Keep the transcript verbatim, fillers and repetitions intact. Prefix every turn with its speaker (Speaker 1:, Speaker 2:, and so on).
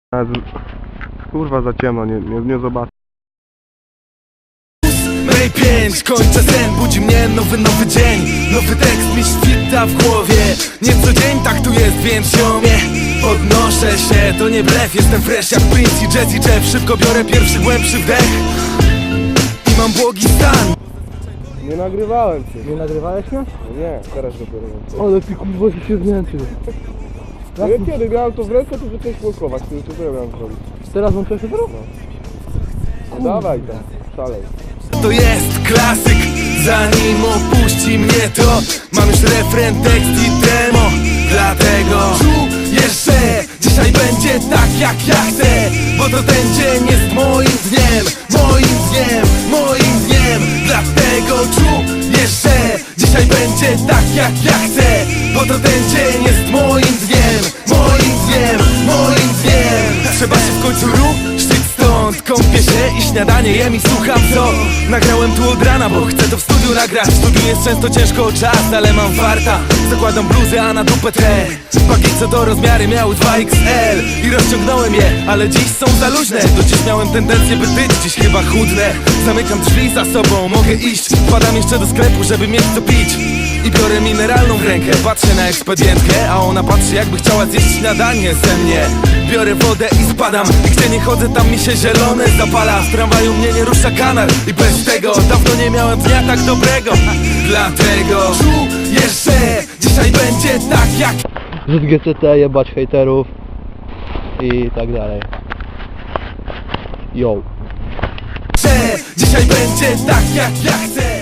Speaker 1: Kurwa za ciemno, nie, nie, nie zobaczę.
Speaker 2: Mej pięć, kończę sen, budzi mnie nowy, nowy dzień. Nowy tekst mi świta w głowie. Nie co dzień tak tu jest, więc ziomie podnoszę się, to nie blef. Jestem fresh jak Prince i Jazzy Jeff. Szybko biorę pierwszy głębszy wdech i mam błogi stan.
Speaker 1: Nie nagrywałem cię.
Speaker 3: Nie nagrywałeś mnie?
Speaker 1: Nie, teraz dopiero.
Speaker 3: Ale ty kurwa się zmęczył.
Speaker 1: Ja kiedy miałem to w ręce, to zacząłeś blokować. To co ja miałem zrobić?
Speaker 3: Teraz mam coś teraz?
Speaker 1: No dawaj tam, szalej.
Speaker 2: To jest klasyk, zanim opuści mnie to mam już refren, tekst i demo. Dlatego czuję, że dzisiaj będzie tak jak ja chcę, bo to ten dzień jest moim dniem, moim dniem, moim dniem. Dlatego czuję, że dzisiaj będzie tak jak ja chcę, bo to ten dzień jest moim dniem, moim dniem, moim dniem. Trzeba się w końcu ruszyć stąd, kąpię się i śniadanie jem i słucham co nagrałem tu od rana, bo chcę to w studiu nagrać. W studiu jest często ciężko o czas, ale mam farta. Zakładam bluzę, a na dupę te paki, co to rozmiary miały dwa X L i rozciągnąłem je, ale dziś są za luźne. Do dziś miałem tendencję by tyć, dziś chyba chudnę. Zamykam drzwi za sobą, mogę iść. Wpadam jeszcze do sklepu, żeby mieć co pić i biorę mineralną w rękę. Patrzę na ekspedientkę, a ona patrzy jakby chciała zjeść śniadanie ze mnie. Biorę wodę i spadam, i gdzie nie chodzę, tam mi się zielone zapala. W tramwaju mnie nie rusza kanar i bez tego dawno nie miałem dnia tak dobrego. Dlatego czuję, że dzisiaj będzie tak jak
Speaker 3: Rzut G C T, jebać hejterów i tak dalej. Yo.
Speaker 2: że dzisiaj będzie tak jak ja chcę.